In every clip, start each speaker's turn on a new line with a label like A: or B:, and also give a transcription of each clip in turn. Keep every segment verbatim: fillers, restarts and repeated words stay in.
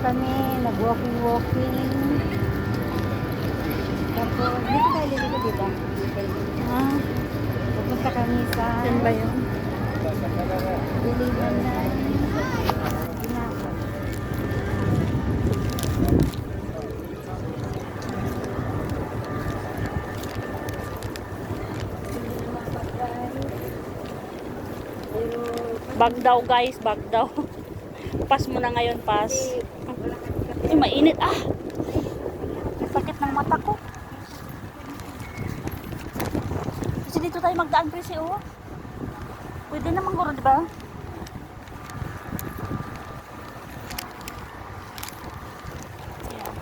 A: kami, nag-walking-walking. Tapos, dito tayo liliko, di ba?
B: Ah,
A: Pupunta kami sa
B: yan ba yun?
A: Diliman na Ginagawa.
B: Bag daw guys, bag daw. Pas mo na ngayon, pas. Ay, mainit. Ah! Sakit ng mata ko. Kasi dito tayo magdaan, Presi, oh. Pwede naman guro, di ba? Ayan.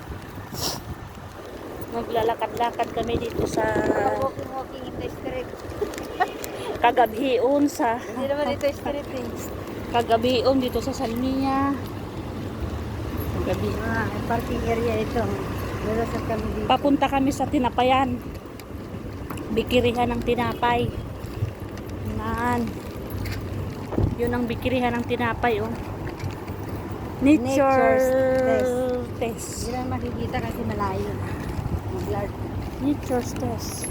B: Maglalakad-lakad kami dito sa
A: Walking-walking in the street.
B: Kagabion sa
A: Hindi naman dito street eh.
B: Kagabion dito sa Salmiya. Kagabi.
A: Ah, parking area ito. Meron sa kami dito.
B: Papunta kami sa Tinapayan. Bikirihan ng tinapay. Yan. Yun ang bikirihan ng tinapay, oh. Nature
A: Nature's
B: test.
A: test. Hindi lang makikita kasi malayo. Mag-blur.
B: Nature's test.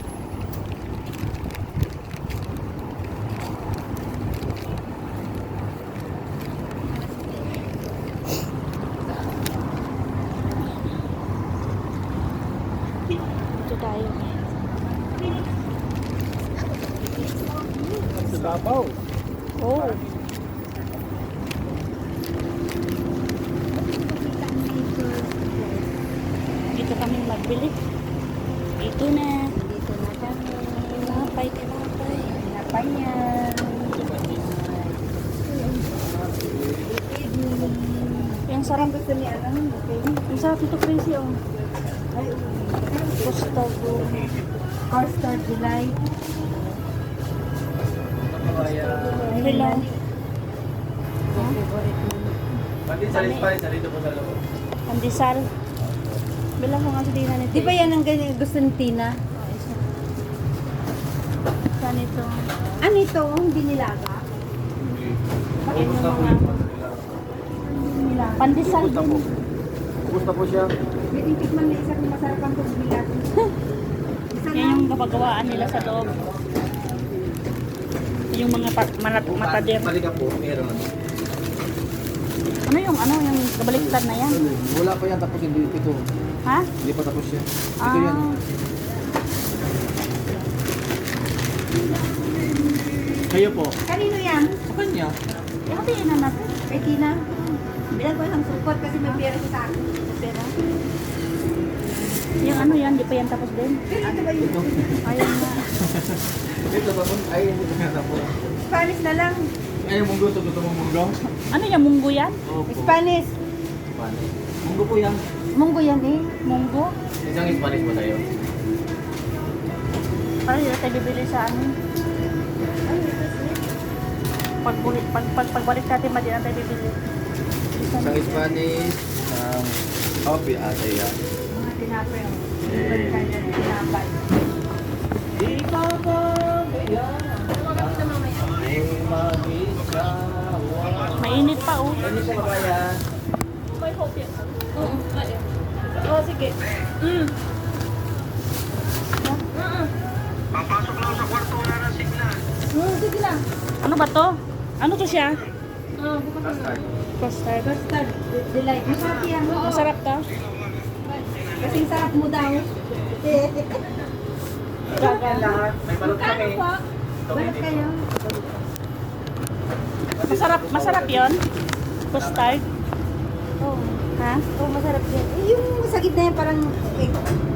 B: Dito tayo.
C: Sabaw.
B: Oh. Dito kami magbili. Ito na.
A: Dito na kami.
B: Tinapay, tinapay.
A: Tinapay niya.
B: Yung sarap.
A: Gusto ni ano? Okay.
B: Yung sarap ito, Crazy, oh.
A: Ay,
B: Gusto ko.
A: All-Star Delight.
B: Hello.
A: Favorite mo.
C: Pati sa Lispay, sa dito po sa loob.
B: Pandesal. Bilang ko nga sa dinan nito.
A: Di ba yan ang ganyan gusto ni Tina?
B: Saan ito?
A: Ano ito? Hindi nilaga?
B: Bakit yung
C: Kumusta po
B: mga...
C: yung
A: Nilaga.
B: Pandesal
C: Kumusta po?
B: din.
C: Kumusta po siya?
A: May titikman na isang masarap ang pagbilat. Isa
B: Yan yung kapagawaan nila sa loob. Yung mga pa- manat matader.
C: Halika po, meron.
B: Ano yung ano yung kabaliktad na yan?
C: Wala pa yan, tapos hindi ito.
B: Ha?
C: Hindi pa tapos yan. Ito
B: Ah.
C: yan. Kayo po.
A: Kanino yan?
C: Sa kanya.
B: Eh, hatiin na natin.
A: Kay Tina. Bilang ko ng support kasi may pera siya sa akin.
B: Pera. Yung ano yan, di pa yan tapos din.
A: Pero ito ba yun?
C: Ito.
B: Ayun nga.
C: Ito ba po? Ay, ito nga na po.
A: Spanish na lang.
C: Ay, munggo. Ito gusto mong munggo?
B: Ano yung munggo yan?
C: Opo.
A: Spanish.
C: Spanish. Munggo po yan.
A: Munggo yan eh.
B: Munggo?
C: Isang Spanish ba tayo?
B: Parang yun tayo bibili sa ano.
A: Ay, ito sweet.
B: Pag, pag, pag, pagbalik natin, madi na tayo bibili.
C: Isang Spanish. Um, coffee ata yan.
A: Mga tinapay.
C: Eh.
A: Balikan yan. Tinapay.
C: Ikaw ba yan? Ay, mag-isawa.
B: Mainit pa, oh.
C: Ano siya kabayan?
B: May hope yan. Oo. Oh, sige. Mm.
D: Papasok lang sa kwarto, wala na signal.
A: Hmm, sige lang.
B: Ano ba to? Ano to siya?
A: Oh, bukas na.
C: Custard.
B: Custard.
A: Custard. Delight. Masarap yan. Oo.
B: Masarap to?
A: Kasing sarap mo daw. Eh,
C: Lahat. May balot kami.
A: po? Balik kayo.
B: Masarap, masarap yon. Custard.
A: Oo.
B: Ha?
A: Oh, masarap yan. Eh, yung sa gitna yan parang egg.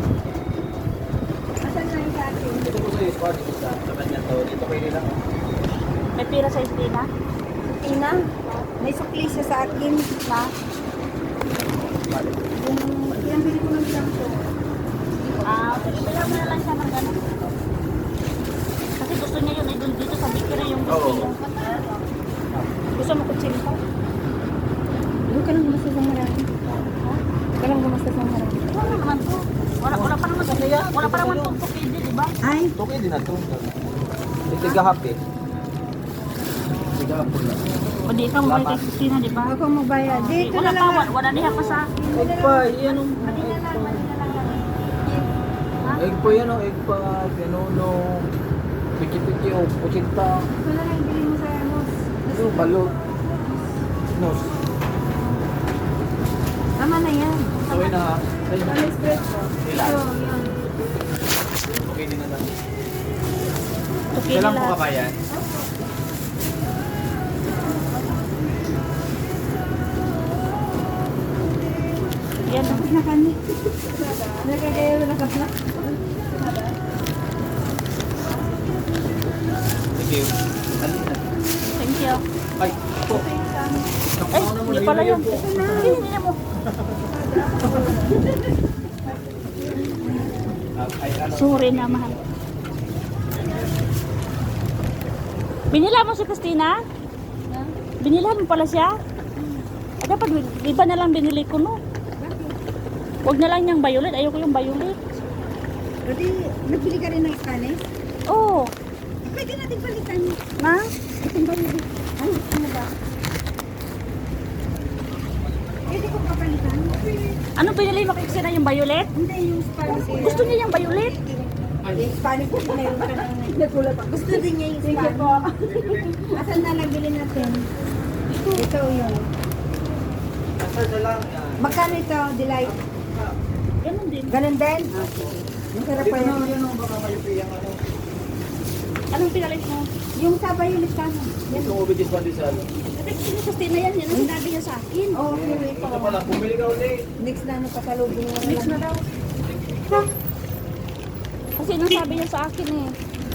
A: Asan na yung sa akin?
C: Ito po sa Spanish. Sa sa kanya to. Dito kayo nila.
B: May pira sa istina?
A: Tina, may sukli siya sa akin.
B: Na?
A: Yung pinambili ko ng shampoo.
B: Ah, okay. Pila mo na lang siya ng gano'n. Kasi gusto niya yun, ay dun dito sa bikira yung gusto
C: Oo.
B: niya. Gusto mo kutsilyo?
A: Huwag ka lang gumastos ng marami. Huwag ka lang gumastos ng marami.
B: Wala naman to. Wala, wala pa naman sa Wala pa naman itong tukidi, di ba?
A: Ay,
C: Okay din na to. Ito happy. Gapon lang.
B: O di ka mo kay Christina, di ba?
A: Ako magbayad. Dito
B: Wala
A: na
B: pa,
A: lang.
B: wala, wala niya pa sa akin.
C: Egg pa, yan ang
A: Mali na lang, mali na lang.
C: egg pa yan ang egg pa, pinuno, piki-piki o pusinta,
A: Ito na lang bili mo sa ano.
C: yung balot, nos.
A: Tama na yan.
C: So yun na ha. Ayun na.
A: Ano espresso?
C: Ilan?
A: Ito, yun.
C: Okay din na lang.
B: Okay
C: Kailan
B: na
C: po ka
B: lahat.
C: ba yan?
B: Yan.
A: Tapos na kami. Nagkagaya na nakapla.
C: Thank you. Alin na?
B: Thank you.
C: Ay, po.
B: Ay, hindi pala yun. Hindi, hindi mo.
C: Ay, ano?
B: Sorry na, mahal. Binila mo si Christina? Binilan mo pala siya? Ah, dapat, iba na lang binili ko, no? Huwag na lang niyang violet. Ayoko yung violet.
A: Pwede, nagbili ka rin ng Spanish?
B: Oo. Oh,
A: Pwede natin palitan.
B: na?
A: Itong bayad. Ano, ano ba? Pwede ko papalitan?
B: Ano pinili mo kay Christina, yung violet?
A: Hindi, yung Spanish.
B: Gusto niya yung violet?
A: Yung Spanish ko, mayroon ka nang nagulat ako. Gusto din niya yung Spanish. Thank you po. Asan na nabili natin? Ito. Ito yun.
C: Asa na lang yan.
A: Magkano ito, Delight?
B: Ganun din.
A: Ganun din? Masarap
C: Dito
A: pa
C: na
A: yun.
C: yun ang baka malipiyang ano.
B: Anong pinalit mo?
A: Yung sabay ulit ka na.
C: Ito mo bigis pa din sa ano.
B: Kasi si Christina yan, yan ang sinabi niya sa akin.
A: Oo, okay, ito.
C: Ito pala, bumili ka ulit.
A: Next na ano, pasalubong mo
B: Mix na daw. Kasi nang sabi niya sa akin eh.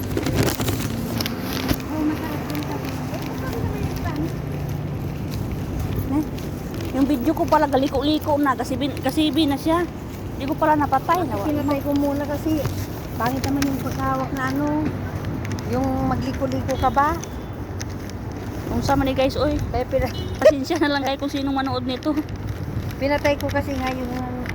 A: Oh, masarap din sabi mo. Eh, paano naman yung Spanish?
B: Eh, yung video ko pala galiko-liko na kasi bin, kasi bin na siya. Hindi ko pala napatay. Nawa.
A: Pinatay ko muna kasi pangit naman yung pagkawak na ano, yung magliko-liko ka ba?
B: Kung sama ni guys, oy.
A: Kaya pina-
B: Pasensya na lang kayo kung sinong manood nito.
A: pinatay ko kasi nga yung ano,